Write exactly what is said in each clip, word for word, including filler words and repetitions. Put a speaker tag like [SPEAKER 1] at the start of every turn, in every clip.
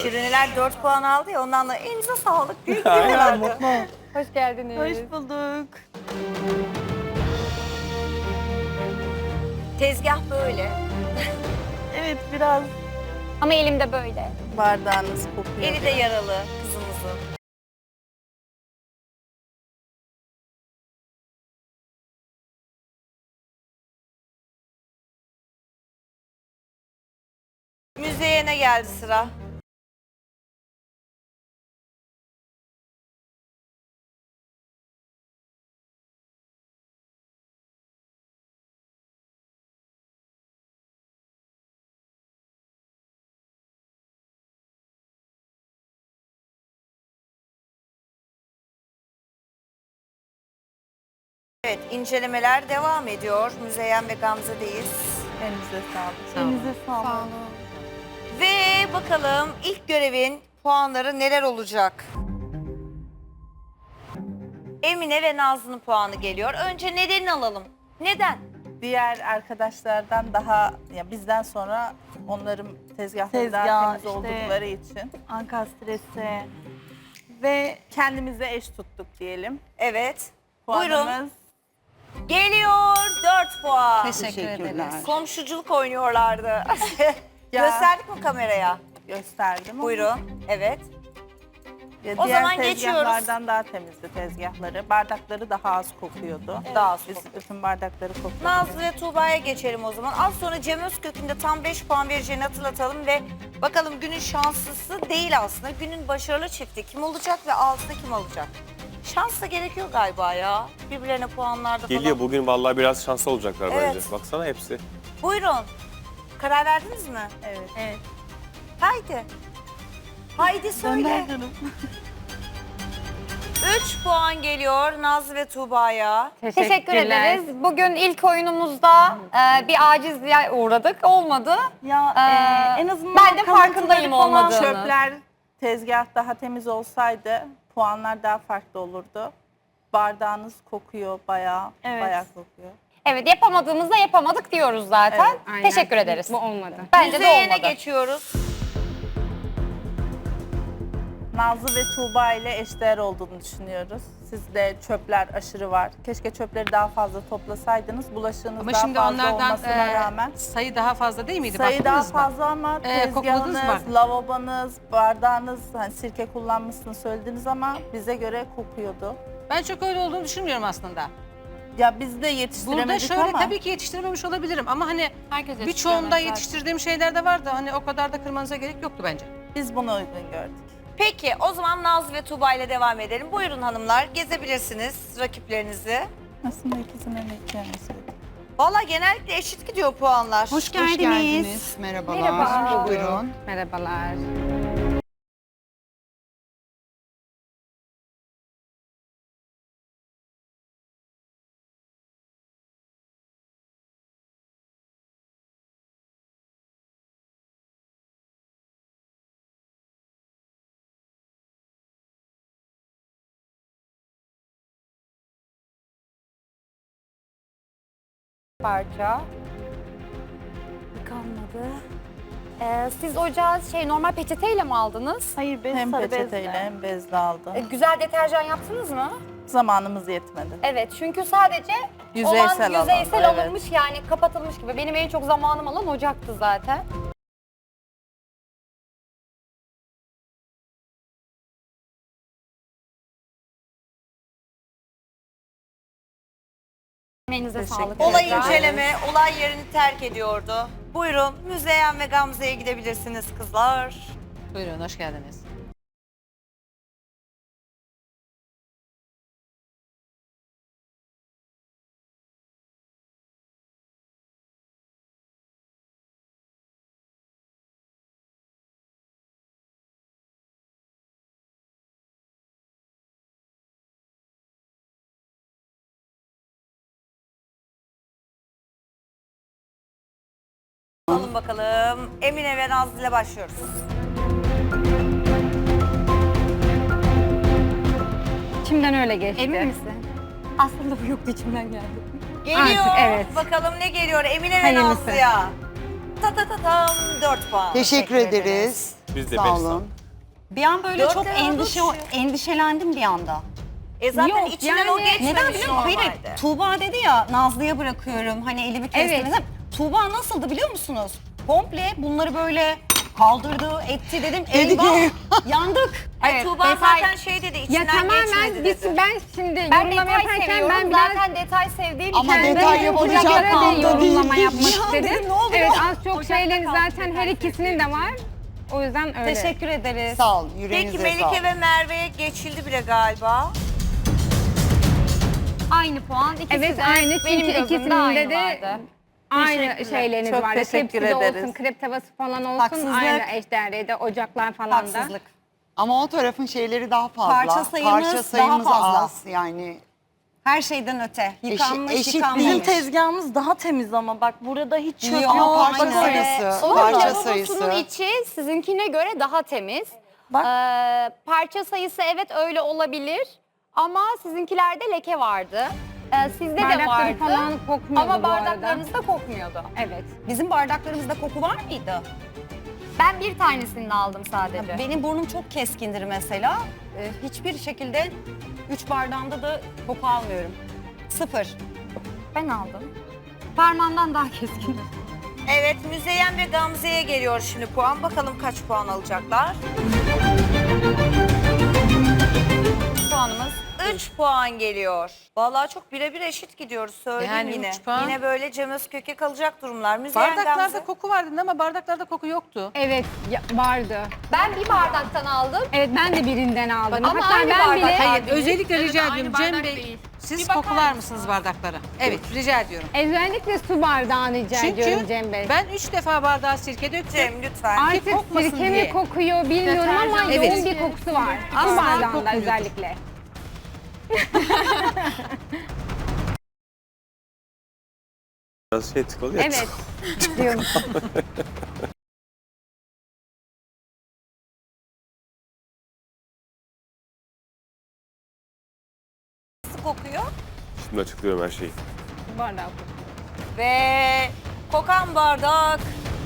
[SPEAKER 1] Şirineler dört puan aldı ya, ondan da elinize sağlık. Büyük
[SPEAKER 2] Aynen,
[SPEAKER 1] diyorlardı.
[SPEAKER 2] mutlu ol.
[SPEAKER 3] Hoş geldiniz.
[SPEAKER 4] Hoş bulduk.
[SPEAKER 1] Tezgah böyle.
[SPEAKER 4] Evet, biraz
[SPEAKER 3] Ama elimde böyle.
[SPEAKER 4] bardağınız kokuyor.
[SPEAKER 1] Eli de yaralı kızımızın. Müzeyyen'e geldi sıra. Evet, incelemeler devam ediyor. Müzeyyen ve Gamze'deyiz.
[SPEAKER 4] Elinize sağlık.
[SPEAKER 3] Elinize sağlık.
[SPEAKER 1] Ve bakalım ilk görevin puanları neler olacak? Emine ve Nazlı'nın puanı geliyor. Önce nedenini alalım. Neden?
[SPEAKER 4] Diğer arkadaşlardan daha, ya bizden sonra onların tezgahları daha
[SPEAKER 5] Tezgah,
[SPEAKER 4] temiz
[SPEAKER 5] işte-
[SPEAKER 4] oldukları için
[SPEAKER 5] Ankastresi ve
[SPEAKER 4] kendimize eş tuttuk diyelim.
[SPEAKER 1] Evet. Buyurun.
[SPEAKER 4] Puanımız
[SPEAKER 1] Geliyor dört puan.
[SPEAKER 2] Teşekkür ederiz.
[SPEAKER 1] Komşuculuk oynuyorlardı. Gösterdik mi kameraya?
[SPEAKER 4] gösterdim. ama
[SPEAKER 1] Buyurun. Evet.
[SPEAKER 4] ya
[SPEAKER 1] O
[SPEAKER 4] diğer
[SPEAKER 1] zaman geçiyoruz.
[SPEAKER 4] tezgahlardan daha temizdi tezgahları. Bardakları daha az kokuyordu.
[SPEAKER 1] Daha az
[SPEAKER 4] Biz
[SPEAKER 1] kokuyor.
[SPEAKER 4] bütün bardakları kokuyordu.
[SPEAKER 1] Nazlı ve Tuğba'ya geçelim o zaman. Az sonra Cem Özkök'ün de tam beş puan vereceğini hatırlatalım ve bakalım günün şanslısı değil aslında. Günün başarılı çifti kim olacak ve altında kim alacak? Şans da gerekiyor galiba ya. Birbirlerine puanlarda falan.
[SPEAKER 2] Geliyor bugün vallahi biraz şanslı olacaklar
[SPEAKER 1] Evet.
[SPEAKER 2] bence. Baksana hepsi.
[SPEAKER 1] Buyurun. Karar verdiniz mi?
[SPEAKER 4] Evet.
[SPEAKER 5] evet.
[SPEAKER 1] Haydi. Haydi söyle. üç puan geliyor Nazlı ve Tuğba'ya.
[SPEAKER 3] Teşekkür ederiz. Bugün ilk oyunumuzda e, bir acizliğe uğradık. Olmadı.
[SPEAKER 5] Ya
[SPEAKER 3] Ee,
[SPEAKER 5] e, en azından
[SPEAKER 3] ben de farkındayım
[SPEAKER 5] kalıntıları falan-
[SPEAKER 3] olmadığını.
[SPEAKER 4] Çöpler, tezgah daha temiz olsaydı puanlar daha farklı olurdu. Bardağınız kokuyor bayağı,
[SPEAKER 5] Evet.
[SPEAKER 4] bayağı kokuyor.
[SPEAKER 3] Evet, yapamadığımızda yapamadık diyoruz zaten.
[SPEAKER 4] Evet,
[SPEAKER 3] Teşekkür ederiz.
[SPEAKER 6] Bu olmadı.
[SPEAKER 3] Bence de
[SPEAKER 1] Müzeyyen'e
[SPEAKER 3] olmadı.
[SPEAKER 1] geçiyoruz.
[SPEAKER 4] Nazlı ve Tuğba ile eşdeğer olduğunu düşünüyoruz. Sizde çöpler aşırı var. Keşke çöpleri daha fazla toplasaydınız. Bulaşığınız
[SPEAKER 6] Ama
[SPEAKER 4] daha
[SPEAKER 6] şimdi
[SPEAKER 4] fazla
[SPEAKER 6] onlardan
[SPEAKER 4] olmasına
[SPEAKER 6] e,
[SPEAKER 4] rağmen.
[SPEAKER 6] sayı daha fazla değil miydi?
[SPEAKER 4] Sayı daha
[SPEAKER 6] Baktınız mı?
[SPEAKER 4] fazla ama
[SPEAKER 6] Ee, kokladınız
[SPEAKER 4] tezgahınız,
[SPEAKER 6] mı?
[SPEAKER 4] lavabonuz, bardağınız, hani sirke kullanmışsınız söylediniz ama bize göre kokuyordu.
[SPEAKER 6] Ben çok öyle olduğunu düşünmüyorum aslında.
[SPEAKER 4] Ya biz de yetiştiremedik
[SPEAKER 6] Burada şöyle
[SPEAKER 4] ama
[SPEAKER 6] tabii ki yetiştirememiş olabilirim ama hani
[SPEAKER 3] Herkes
[SPEAKER 6] birçoğunda yetiştirdiğim şeyler de vardı. Hani o kadar da kırmanıza gerek yoktu bence.
[SPEAKER 4] biz bunu uygun gördük.
[SPEAKER 1] Peki o zaman Nazlı ve Tuğba ile devam edelim. Buyurun hanımlar, gezebilirsiniz rakiplerinizi.
[SPEAKER 4] Aslında ikisinin de iki tanesi.
[SPEAKER 1] Valla genellikle eşit gidiyor puanlar.
[SPEAKER 7] Hoş geldiniz. Merhabalar.
[SPEAKER 3] Merhaba.
[SPEAKER 7] Buyurun.
[SPEAKER 6] Merhabalar.
[SPEAKER 3] Parça. Kalmadı. Ee, siz ocağı şey normal peçeteyle mi aldınız?
[SPEAKER 5] Hayır, bez
[SPEAKER 4] Hem
[SPEAKER 5] sarı
[SPEAKER 4] peçeteyle
[SPEAKER 5] bezle.
[SPEAKER 4] hem bezle aldı.
[SPEAKER 3] Ee, güzel deterjan yaptınız mı?
[SPEAKER 4] Zamanımız yetmedi.
[SPEAKER 3] Evet, çünkü sadece
[SPEAKER 4] Yüzeysel
[SPEAKER 3] olan yüzeysel
[SPEAKER 4] alan, evet.
[SPEAKER 3] alınmış yani kapatılmış gibi. Benim en çok zamanım alan ocaktı zaten. Emeğinize
[SPEAKER 4] Teşekkür
[SPEAKER 3] sağlık.
[SPEAKER 4] ederim.
[SPEAKER 1] Olay
[SPEAKER 4] Evet.
[SPEAKER 1] inceleme, olay yerini terk ediyordu. Buyurun Müzeyyen ve Gamze'ye gidebilirsiniz kızlar.
[SPEAKER 6] Buyurun, hoş geldiniz.
[SPEAKER 1] Alın bakalım. Emine ve Nazlı ile başlıyoruz.
[SPEAKER 6] İçimden öyle geçti.
[SPEAKER 3] Emin misin? Aslında bu yoktu, içimden geldi.
[SPEAKER 1] Geliyor.
[SPEAKER 6] Artık evet.
[SPEAKER 1] Bakalım ne geliyor Emine ve
[SPEAKER 6] Hayırlısı.
[SPEAKER 1] Nazlı'ya. Ta ta ta tam dört puan.
[SPEAKER 7] Teşekkür ederiz.
[SPEAKER 2] Biz de
[SPEAKER 7] Sağ
[SPEAKER 2] beş
[SPEAKER 7] olun.
[SPEAKER 2] sağ-
[SPEAKER 8] Bir an böyle
[SPEAKER 1] Dört
[SPEAKER 8] çok
[SPEAKER 1] lira
[SPEAKER 8] endişe
[SPEAKER 1] düşüyor.
[SPEAKER 8] endişelendim bir anda.
[SPEAKER 1] E zaten
[SPEAKER 3] Yok,
[SPEAKER 1] içinden
[SPEAKER 3] yani
[SPEAKER 1] o geçmemiş
[SPEAKER 8] Neden biliyor musun? Hayır,
[SPEAKER 1] normalde.
[SPEAKER 8] Tuğba dedi ya Nazlı'ya bırakıyorum hani elimi kestim.
[SPEAKER 3] Evet.
[SPEAKER 8] Tuğba nasıldı biliyor musunuz? Komple bunları böyle kaldırdı, etti dedim. Eyvah yandık.
[SPEAKER 1] Ay,
[SPEAKER 3] Evet,
[SPEAKER 1] Tuğba
[SPEAKER 3] detay-
[SPEAKER 1] zaten şey dedi,
[SPEAKER 3] Ya
[SPEAKER 1] içinden
[SPEAKER 3] tamamen
[SPEAKER 1] geçmedi
[SPEAKER 3] biz,
[SPEAKER 1] dedi.
[SPEAKER 3] ben şimdi
[SPEAKER 9] Ben
[SPEAKER 3] yorumlama
[SPEAKER 9] detay
[SPEAKER 3] yaparken
[SPEAKER 9] seviyorum.
[SPEAKER 3] ben biraz
[SPEAKER 9] Zaten detay sevdiğim
[SPEAKER 7] Ama
[SPEAKER 9] için.
[SPEAKER 7] detay
[SPEAKER 3] ben
[SPEAKER 7] yapılacak
[SPEAKER 3] ocaklara da
[SPEAKER 7] anda
[SPEAKER 3] yorumlama
[SPEAKER 7] değil.
[SPEAKER 3] yapmak
[SPEAKER 8] Ya
[SPEAKER 3] istedim.
[SPEAKER 8] dedim, ne oluyor?
[SPEAKER 3] Evet az çok şeyleri zaten her ikisinin de var. O yüzden öyle.
[SPEAKER 8] Teşekkür ederiz.
[SPEAKER 7] Sağ olun, yüreğinize
[SPEAKER 1] Peki Melike
[SPEAKER 7] sağlık.
[SPEAKER 1] ve Merve'ye geçildi bile galiba.
[SPEAKER 9] Aynı puan. İkisi
[SPEAKER 3] Evet
[SPEAKER 9] de
[SPEAKER 3] aynı
[SPEAKER 9] benim
[SPEAKER 3] çünkü
[SPEAKER 9] gözümde
[SPEAKER 3] ikisinin
[SPEAKER 9] aynı
[SPEAKER 3] de
[SPEAKER 9] vardı.
[SPEAKER 3] aynı
[SPEAKER 4] Teşekkürler.
[SPEAKER 3] şeyleriniz
[SPEAKER 4] Çok
[SPEAKER 3] vardı.
[SPEAKER 4] teşekkür
[SPEAKER 3] Tepsi de
[SPEAKER 4] ederiz.
[SPEAKER 3] olsun, krep tavası falan olsun
[SPEAKER 8] Haksızlık.
[SPEAKER 3] aynı eşdeğerdeydi. Ocaklar falan da.
[SPEAKER 8] Haksızlık.
[SPEAKER 7] Ama o tarafın şeyleri daha fazla.
[SPEAKER 8] Parça sayımız
[SPEAKER 7] Parça
[SPEAKER 8] daha
[SPEAKER 7] sayımız
[SPEAKER 8] fazla.
[SPEAKER 7] az yani.
[SPEAKER 8] Her şeyden öte. Yıkanmış,
[SPEAKER 7] eşit
[SPEAKER 8] yıkanmamış.
[SPEAKER 4] Bizim tezgahımız daha temiz ama bak burada hiç çöp
[SPEAKER 8] Yok,
[SPEAKER 4] yok.
[SPEAKER 7] Parça
[SPEAKER 8] aynen.
[SPEAKER 7] sayısı,
[SPEAKER 9] Onun
[SPEAKER 7] parça
[SPEAKER 9] lavabosunun
[SPEAKER 7] sayısı.
[SPEAKER 9] içi sizinkine göre daha temiz.
[SPEAKER 4] Bak.
[SPEAKER 9] Ee, parça sayısı evet öyle olabilir. Ama sizinkilerde leke vardı. Ee, sizde de
[SPEAKER 3] Bardakları
[SPEAKER 9] vardı.
[SPEAKER 3] falan kokmuyordu
[SPEAKER 9] Ama
[SPEAKER 3] bu arada.
[SPEAKER 9] bardaklarınız da kokmuyordu.
[SPEAKER 3] Evet.
[SPEAKER 8] Bizim bardaklarımızda koku var mıydı?
[SPEAKER 9] Ben bir tanesini aldım sadece.
[SPEAKER 8] Benim burnum çok keskindir mesela. Ee, hiçbir şekilde üç bardağımda da koku almıyorum. Sıfır.
[SPEAKER 9] Ben aldım. Parmağımdan daha keskin.
[SPEAKER 1] Evet, Müzeyyen ve Gamze'ye geliyor şimdi puan. Bakalım kaç puan alacaklar?
[SPEAKER 9] Puanımız
[SPEAKER 1] üç puan geliyor. Vallahi çok birebir eşit gidiyoruz söyleyeyim
[SPEAKER 6] Yani
[SPEAKER 1] yine.
[SPEAKER 6] üç puan.
[SPEAKER 1] Yine böyle Cem Özkök'e kalacak durumlar. Müzeyyen
[SPEAKER 6] Bardaklarda
[SPEAKER 1] Gamze.
[SPEAKER 6] koku var dedin ama bardaklarda koku yoktu.
[SPEAKER 3] Evet ya- vardı.
[SPEAKER 9] ben bir bardaktan aldım.
[SPEAKER 3] Evet ben de birinden aldım.
[SPEAKER 9] Ama
[SPEAKER 3] Hatta
[SPEAKER 9] aynı
[SPEAKER 3] ben
[SPEAKER 9] bardak.
[SPEAKER 3] bile
[SPEAKER 6] Hayır, özellikle rica ediyorum Cem Bey. Siz kokular mısınız bardaklara? Evet, rica ediyorum.
[SPEAKER 3] özellikle su bardağını rica ediyorum
[SPEAKER 6] Çünkü
[SPEAKER 3] Cem Bey.
[SPEAKER 6] ben üç defa bardağa sirke döktüm.
[SPEAKER 1] Cem lütfen.
[SPEAKER 3] Artık
[SPEAKER 6] kokmasın
[SPEAKER 3] sirke mi
[SPEAKER 6] diye.
[SPEAKER 3] kokuyor bilmiyorum ama
[SPEAKER 6] Evet.
[SPEAKER 3] yoğun bir kokusu var. Su
[SPEAKER 6] Asla
[SPEAKER 3] bardağında
[SPEAKER 6] kokmuyordur.
[SPEAKER 3] özellikle.
[SPEAKER 2] Biraz şey tıkalı ya.
[SPEAKER 3] Evet. diyorum.
[SPEAKER 1] Nasıl kokuyor?
[SPEAKER 2] Şimdi açıklıyorum her şeyi.
[SPEAKER 3] Su bardağı kokuyor.
[SPEAKER 1] Ve kokan bardak.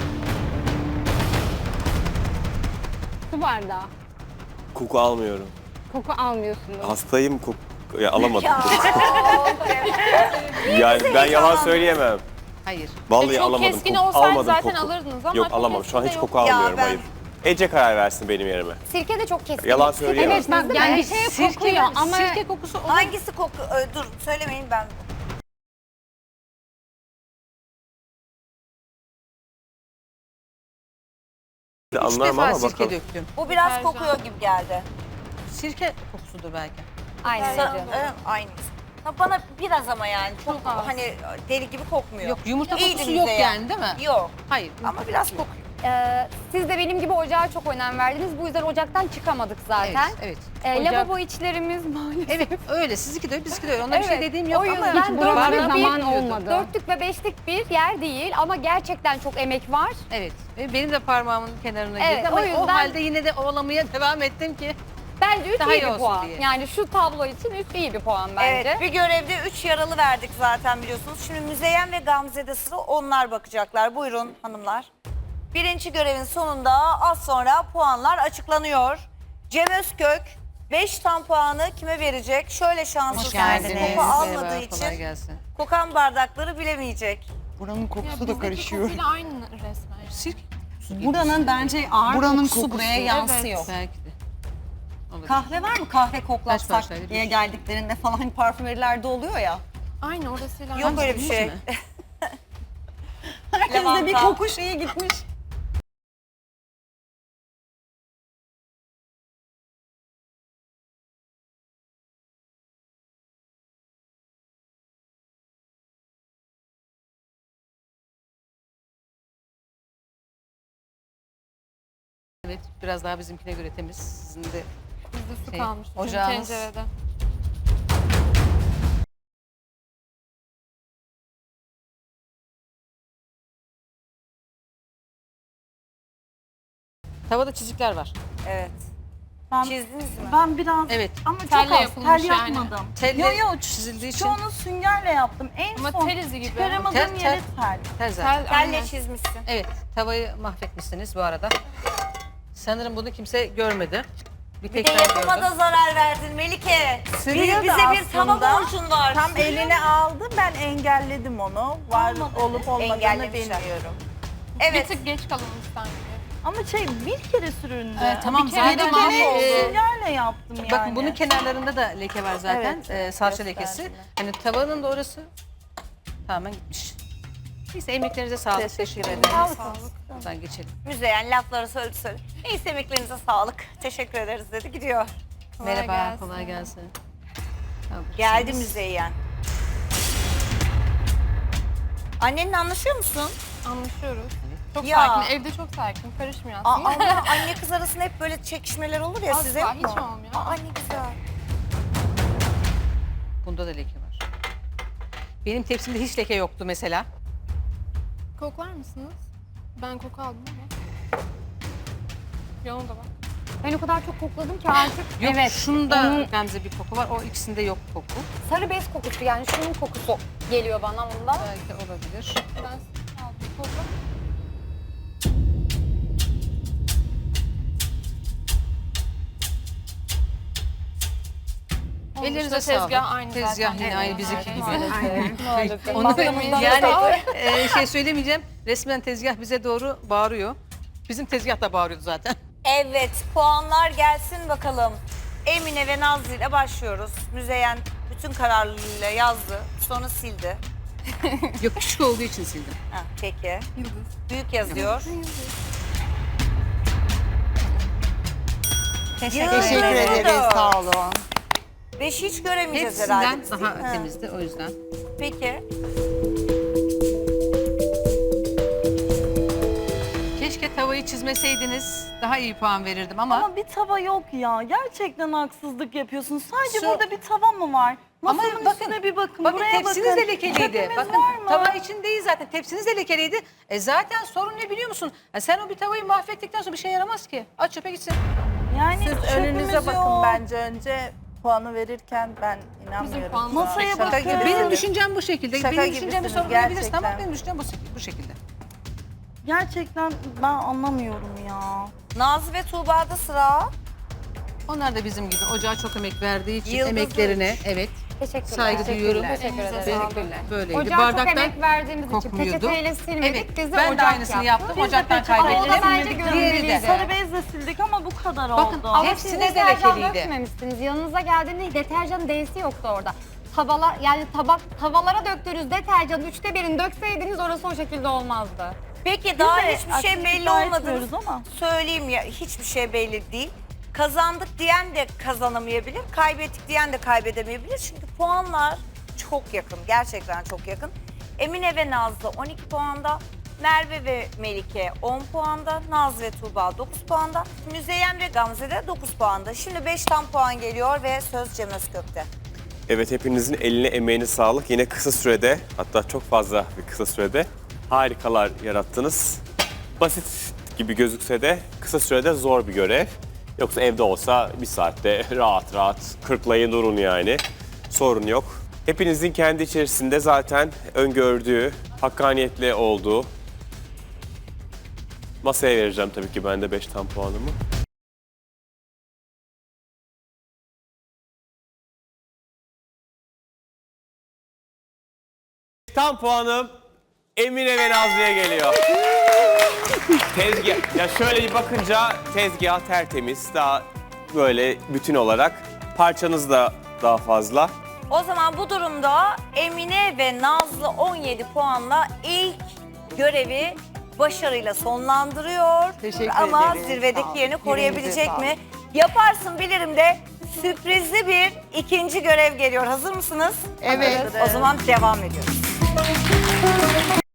[SPEAKER 3] Su bardağı.
[SPEAKER 2] Koku almıyorum.
[SPEAKER 3] Koku almıyorsunuz.
[SPEAKER 2] Hastayım, koku ya alamadım. yani ben yalan söyleyemem.
[SPEAKER 6] Hayır.
[SPEAKER 2] Vallahi
[SPEAKER 9] Çok
[SPEAKER 2] alamadım.
[SPEAKER 9] keskin
[SPEAKER 2] koku.
[SPEAKER 9] olsaydı
[SPEAKER 2] almadım
[SPEAKER 9] zaten
[SPEAKER 2] koku.
[SPEAKER 9] alırdınız ama
[SPEAKER 2] Yok
[SPEAKER 9] çok
[SPEAKER 2] alamam. Şu an hiç
[SPEAKER 9] keskin de
[SPEAKER 2] koku
[SPEAKER 1] yok. Ya
[SPEAKER 2] almıyorum.
[SPEAKER 1] ben-
[SPEAKER 2] Hayır. Ece karar versin benim yerime.
[SPEAKER 9] Sirke de çok keskin.
[SPEAKER 2] Yalan
[SPEAKER 9] Sirke
[SPEAKER 2] söyleyemem.
[SPEAKER 3] Evet bak yani bir şeye
[SPEAKER 6] Sirke,
[SPEAKER 3] kokuyor ama
[SPEAKER 6] sirke kokusu olur.
[SPEAKER 1] Hangisi koku? Ö, dur söylemeyin ben.
[SPEAKER 6] Üç
[SPEAKER 2] Anlarım
[SPEAKER 6] defa
[SPEAKER 2] ama
[SPEAKER 6] sirke
[SPEAKER 2] bakalım.
[SPEAKER 6] döktüm.
[SPEAKER 1] Bu biraz kokuyor gibi geldi.
[SPEAKER 6] Sirke kokusudur belki.
[SPEAKER 9] Aynen
[SPEAKER 1] Sa-
[SPEAKER 9] canım.
[SPEAKER 1] evet, aynı. Ha, bana biraz ama yani çok, hani deli gibi kokmuyor.
[SPEAKER 6] Yok, yumurta
[SPEAKER 1] İyiydi
[SPEAKER 6] kokusu yok
[SPEAKER 1] Müzeyyen.
[SPEAKER 6] yani değil mi?
[SPEAKER 1] Yok
[SPEAKER 6] Hayır.
[SPEAKER 1] ama biraz kokuyor.
[SPEAKER 9] Ee, siz de benim gibi ocağa çok önem verdiniz. Bu yüzden ocaktan çıkamadık zaten.
[SPEAKER 6] Evet, evet.
[SPEAKER 9] Ee,
[SPEAKER 3] Ocak-
[SPEAKER 9] lavabo içlerimiz maalesef.
[SPEAKER 6] Evet, öyle. Sizinki de öyle, bizimki de öyle. Ona bir şey
[SPEAKER 9] Evet,
[SPEAKER 6] dediğim yok
[SPEAKER 9] o
[SPEAKER 6] ama
[SPEAKER 9] yüzden
[SPEAKER 3] hiç
[SPEAKER 9] dörtlük
[SPEAKER 3] buralarda
[SPEAKER 9] bir-
[SPEAKER 3] zaman olmadı.
[SPEAKER 9] Dörtlük ve beşlik bir yer değil ama gerçekten çok emek var.
[SPEAKER 6] evet. Ve benim de parmağımın kenarına
[SPEAKER 9] Evet,
[SPEAKER 6] girdi ama
[SPEAKER 9] o
[SPEAKER 6] o,
[SPEAKER 9] yüzden-
[SPEAKER 6] halde yine de ovalamaya devam ettim ki.
[SPEAKER 9] Bence üç
[SPEAKER 6] Daha
[SPEAKER 9] iyi
[SPEAKER 6] iyi
[SPEAKER 9] bir
[SPEAKER 6] olsun
[SPEAKER 9] puan.
[SPEAKER 6] diye.
[SPEAKER 9] Yani şu tablo için üç iyi bir puan bence.
[SPEAKER 1] Evet bir görevde üç yaralı verdik zaten biliyorsunuz. Şimdi Müzeyyen ve Gamze'de sıra onlar bakacaklar. Buyurun hanımlar. Birinci görevin sonunda az sonra puanlar açıklanıyor. Cem Özkök beş tam puanı kime verecek? Şöyle şanssız kendisi
[SPEAKER 7] geldiniz.
[SPEAKER 1] koku almadığı
[SPEAKER 6] Merhaba, kolay
[SPEAKER 1] için
[SPEAKER 6] gelsin.
[SPEAKER 1] kokan bardakları bilemeyecek.
[SPEAKER 7] Buranın kokusu da karışıyor.
[SPEAKER 5] aynı resmen.
[SPEAKER 6] Sirke kokusu gibi.
[SPEAKER 8] Buranın bence ağır
[SPEAKER 7] Buranın
[SPEAKER 8] kokusu,
[SPEAKER 7] kokusu,
[SPEAKER 8] buraya yansıyor.
[SPEAKER 6] Belki de. Olur.
[SPEAKER 8] Kahve var mı? Kahve
[SPEAKER 6] Kaç
[SPEAKER 8] koklatsak
[SPEAKER 6] parçaydı?
[SPEAKER 8] diye geldiklerinde falan hani parfümerilerde oluyor ya.
[SPEAKER 5] Aynı orasıyla.
[SPEAKER 1] Yok öyle bir
[SPEAKER 6] Muz
[SPEAKER 1] şey.
[SPEAKER 6] mu?
[SPEAKER 8] Herkeste bir
[SPEAKER 1] Lavanta.
[SPEAKER 8] koku şeyi gitmiş.
[SPEAKER 6] Evet, biraz daha bizimkine göre temiz. Sizin de
[SPEAKER 5] Bizde su
[SPEAKER 6] Şey,
[SPEAKER 5] kalmıştı çünkü
[SPEAKER 6] ocağınız-
[SPEAKER 5] tencerede.
[SPEAKER 6] tavada çizikler var.
[SPEAKER 1] Evet.
[SPEAKER 4] Ben,
[SPEAKER 1] Çizdiniz mi?
[SPEAKER 4] ben biraz
[SPEAKER 6] Evet.
[SPEAKER 4] ama çok
[SPEAKER 5] Telle
[SPEAKER 4] az
[SPEAKER 5] yapılmış
[SPEAKER 4] tel
[SPEAKER 5] yani.
[SPEAKER 4] yapmadım.
[SPEAKER 6] Telle
[SPEAKER 4] Yo yo
[SPEAKER 6] çizildiği için
[SPEAKER 4] çoğunu süngerle yaptım. En
[SPEAKER 5] Ama
[SPEAKER 4] son
[SPEAKER 5] tel izi gibi.
[SPEAKER 4] çıkaramadığım
[SPEAKER 6] Tel-
[SPEAKER 4] yere tel.
[SPEAKER 6] tel zaten.
[SPEAKER 5] Tel,
[SPEAKER 1] Telle
[SPEAKER 5] aynen.
[SPEAKER 1] çizmişsin.
[SPEAKER 6] Evet, tavayı mahvetmişsiniz bu arada. Sanırım bunu kimse görmedi. Bir
[SPEAKER 1] Bir
[SPEAKER 6] tek
[SPEAKER 1] de
[SPEAKER 6] ben
[SPEAKER 1] yapıma
[SPEAKER 6] gördüm.
[SPEAKER 1] da zarar verdin Melike. Bir,
[SPEAKER 4] Sürüyordu
[SPEAKER 1] bize bir tava
[SPEAKER 4] aslında.
[SPEAKER 1] borcun var.
[SPEAKER 4] Tam
[SPEAKER 1] Sürüyor.
[SPEAKER 4] eline aldı, ben engelledim onu. Var olup olmadığını
[SPEAKER 1] Engellemişler.
[SPEAKER 4] bilmiyorum.
[SPEAKER 1] Evet.
[SPEAKER 5] Bir tık geç kalınmış sanki.
[SPEAKER 10] Ama şey bir kere süründü.
[SPEAKER 6] Ee, tamam,
[SPEAKER 10] bir kere
[SPEAKER 6] zaten
[SPEAKER 10] de
[SPEAKER 6] mahvoldu.
[SPEAKER 10] süngerle yaptım yani.
[SPEAKER 6] Bakın bunun kenarlarında da leke var zaten.
[SPEAKER 4] Evet,
[SPEAKER 6] Ee, salça
[SPEAKER 4] gösterdiler.
[SPEAKER 6] lekesi. Hani tavanın da orası tamamen gitmiş. Neyse emeklerinize sağlık.
[SPEAKER 4] Teşekkür
[SPEAKER 6] Teşekkür
[SPEAKER 4] ederim.
[SPEAKER 6] ederim.
[SPEAKER 5] Sağlık.
[SPEAKER 6] Buradan geçelim.
[SPEAKER 1] Müzeyyen lafları söyledi söyledi. Neyse emeklerinize sağlık. Teşekkür ederiz dedi gidiyor.
[SPEAKER 5] Kolay
[SPEAKER 6] Merhaba,
[SPEAKER 5] gelsin.
[SPEAKER 6] kolay gelsin.
[SPEAKER 1] Geldi Müzeyyen. Annenle anlaşıyor musun?
[SPEAKER 5] Anlaşıyoruz. Çok
[SPEAKER 1] Ya.
[SPEAKER 5] sakin. Evde çok sakin. Karışmıyor
[SPEAKER 1] Aa,
[SPEAKER 5] aslında.
[SPEAKER 1] Allah, anne kız arasında hep böyle çekişmeler olur ya
[SPEAKER 5] Asla,
[SPEAKER 1] size.
[SPEAKER 5] hiç olmuyor.
[SPEAKER 1] Aa, ne güzel.
[SPEAKER 6] Bunda da leke var. Benim tepsimde hiç leke yoktu mesela.
[SPEAKER 5] Koklar mısınız? Ben koku aldım ama. Yanımda bak.
[SPEAKER 9] Ben o kadar çok kokladım ki artık.
[SPEAKER 6] Yok,
[SPEAKER 9] evet.
[SPEAKER 6] şunda
[SPEAKER 9] onun
[SPEAKER 6] Gamze bir koku var. O ikisinde yok koku.
[SPEAKER 9] sarı bez kokusu yani şunun kokusu geliyor bana bundan.
[SPEAKER 6] Belki olabilir.
[SPEAKER 5] Ben aldım. Kokla.
[SPEAKER 6] Ellerinize
[SPEAKER 5] Tezgah
[SPEAKER 6] sağlık.
[SPEAKER 5] aynı
[SPEAKER 6] Tezgah
[SPEAKER 5] zaten.
[SPEAKER 6] yine aynı
[SPEAKER 5] Evet,
[SPEAKER 6] bizimki gibi.
[SPEAKER 5] maalesef.
[SPEAKER 6] Onu
[SPEAKER 5] Bakımından
[SPEAKER 6] yani
[SPEAKER 5] da-
[SPEAKER 6] e, şey söylemeyeceğim. Resmen tezgah bize doğru bağırıyor. Bizim tezgah da bağırıyordu zaten.
[SPEAKER 1] Evet, puanlar gelsin bakalım. Emine ve Nazlı ile başlıyoruz. Müzeyyen bütün kararlılığıyla yazdı, sonra sildi.
[SPEAKER 6] Yok, küçük olduğu için sildim.
[SPEAKER 1] Ha, peki.
[SPEAKER 5] Yıldız.
[SPEAKER 1] Büyük yazıyor.
[SPEAKER 7] Teşekkür
[SPEAKER 1] Yıldız.
[SPEAKER 7] ederiz. Sağ olun.
[SPEAKER 1] Beş hiç göremeyeceğiz herhalde.
[SPEAKER 6] Hepsinden
[SPEAKER 1] biz,
[SPEAKER 6] daha
[SPEAKER 1] değil mi? Ha,
[SPEAKER 6] temizdi o yüzden.
[SPEAKER 1] Peki.
[SPEAKER 6] Keşke tavayı çizmeseydiniz daha iyi puan verirdim ama,
[SPEAKER 10] Ama bir tava yok ya. Gerçekten haksızlık yapıyorsun. Sadece
[SPEAKER 6] Su-
[SPEAKER 10] burada bir tava mı var?
[SPEAKER 6] Ama
[SPEAKER 10] Masanın
[SPEAKER 6] bakın,
[SPEAKER 10] üstüne bir bakın.
[SPEAKER 6] bakın
[SPEAKER 10] Buraya
[SPEAKER 6] tepsiniz
[SPEAKER 10] bakın.
[SPEAKER 6] de lekeliydi.
[SPEAKER 10] Çöpümüz
[SPEAKER 6] Bakın
[SPEAKER 10] var mı?
[SPEAKER 6] tava için değil zaten tepsiniz de lekeliydi. E zaten sorun ne biliyor musun? Ha, sen o bir tavayı mahvettikten sonra bir şey yaramaz ki. Aç çöpe gitsin.
[SPEAKER 10] Yani
[SPEAKER 4] Siz
[SPEAKER 10] çöpümüz
[SPEAKER 4] önünüze bakın
[SPEAKER 10] yok.
[SPEAKER 4] bence önce puanı verirken ben inanmıyorum.
[SPEAKER 5] puanımız-
[SPEAKER 10] Masaya
[SPEAKER 4] Şaka
[SPEAKER 10] bakın.
[SPEAKER 4] gibisiniz.
[SPEAKER 6] Benim düşüncem bu şekilde.
[SPEAKER 4] Şaka
[SPEAKER 6] benim düşüncemi
[SPEAKER 4] gibisiniz,
[SPEAKER 6] sorgulayabilirsin ama
[SPEAKER 4] gerçekten.
[SPEAKER 6] benim düşüncem bu, bu şekilde.
[SPEAKER 10] Gerçekten ben anlamıyorum ya.
[SPEAKER 1] Nazlı ve Tuğba'da sıra.
[SPEAKER 6] Onlar da bizim gibi ocağa çok emek verdiği için
[SPEAKER 1] Yıldız
[SPEAKER 6] emeklerine evet
[SPEAKER 9] Teşekkürler.
[SPEAKER 6] saygı duyuyorum.
[SPEAKER 9] Teşekkür ederim.
[SPEAKER 6] Böyleydi.
[SPEAKER 9] Ocağa çok
[SPEAKER 6] Bardaktan
[SPEAKER 9] emek verdiğimiz için
[SPEAKER 6] kokmuyordu.
[SPEAKER 9] peçeteyle silmedik.
[SPEAKER 6] Evet,
[SPEAKER 9] Biz de
[SPEAKER 6] ben de
[SPEAKER 9] ocak
[SPEAKER 6] aynısını
[SPEAKER 9] yaptık.
[SPEAKER 6] yaptım. Ocaktan
[SPEAKER 10] peçete-
[SPEAKER 9] Ama o da
[SPEAKER 6] kaybettim.
[SPEAKER 9] bence
[SPEAKER 6] Diğeri de.
[SPEAKER 9] görünmeliydi.
[SPEAKER 10] Sarı bezle sildik ama bu kadar
[SPEAKER 6] Bakın,
[SPEAKER 10] oldu.
[SPEAKER 9] Ama
[SPEAKER 6] hepsine
[SPEAKER 9] siz
[SPEAKER 6] de
[SPEAKER 9] deterjan
[SPEAKER 6] lekeliydi.
[SPEAKER 9] dökmemişsiniz. Yanınıza geldiğinde deterjan D'si yoktu orada. Tavalar yani tabak tavalara döktüğünüz deterjanın üçte birini dökseydiniz orası o şekilde olmazdı.
[SPEAKER 1] Peki daha
[SPEAKER 10] de
[SPEAKER 1] hiçbir şey
[SPEAKER 10] aksini
[SPEAKER 1] belli
[SPEAKER 10] iddia
[SPEAKER 1] olmadı.
[SPEAKER 10] etmiyoruz ama.
[SPEAKER 1] Söyleyeyim ya hiçbir şey belli değil. Kazandık diyen de kazanamayabilir, kaybettik diyen de kaybedemeyebilir. Çünkü puanlar çok yakın, gerçekten çok yakın. Emine ve Nazlı on iki puanda, Merve ve Melike on puanda, Nazlı ve Tuğba dokuz puanda, Müzeyyen ve Gamze de dokuz puanda. Şimdi beş tam puan geliyor ve söz Cem Özkök'te.
[SPEAKER 2] Evet, hepinizin eline emeğine sağlık. Yine kısa sürede, hatta çok fazla bir kısa sürede harikalar yarattınız. Basit gibi gözükse de kısa sürede zor bir görev. Yoksa evde olsa bir saatte rahat rahat kırklayın durun yani. Sorun yok. Hepinizin kendi içerisinde zaten öngördüğü, hakkaniyetli olduğu. Masaya vereceğim tabii ki ben de beş tam puanımı. Tam puanım Emine ve Nazlı'ya geliyor. Tezgah. Ya şöyle bir bakınca tezgah tertemiz. Daha böyle bütün olarak. Parçanız da daha fazla.
[SPEAKER 1] O zaman bu durumda Emine ve Nazlı on yedi puanla ilk görevi başarıyla sonlandırıyor.
[SPEAKER 7] Teşekkür
[SPEAKER 1] Ama
[SPEAKER 7] ederiz. Sağ
[SPEAKER 1] zirvedeki
[SPEAKER 7] olun.
[SPEAKER 1] yerini koruyabilecek
[SPEAKER 7] Yüreğinize
[SPEAKER 1] mi? Yaparsın bilirim de sürprizli bir ikinci görev geliyor. Hazır mısınız?
[SPEAKER 7] Evet.
[SPEAKER 1] O zaman devam ediyoruz.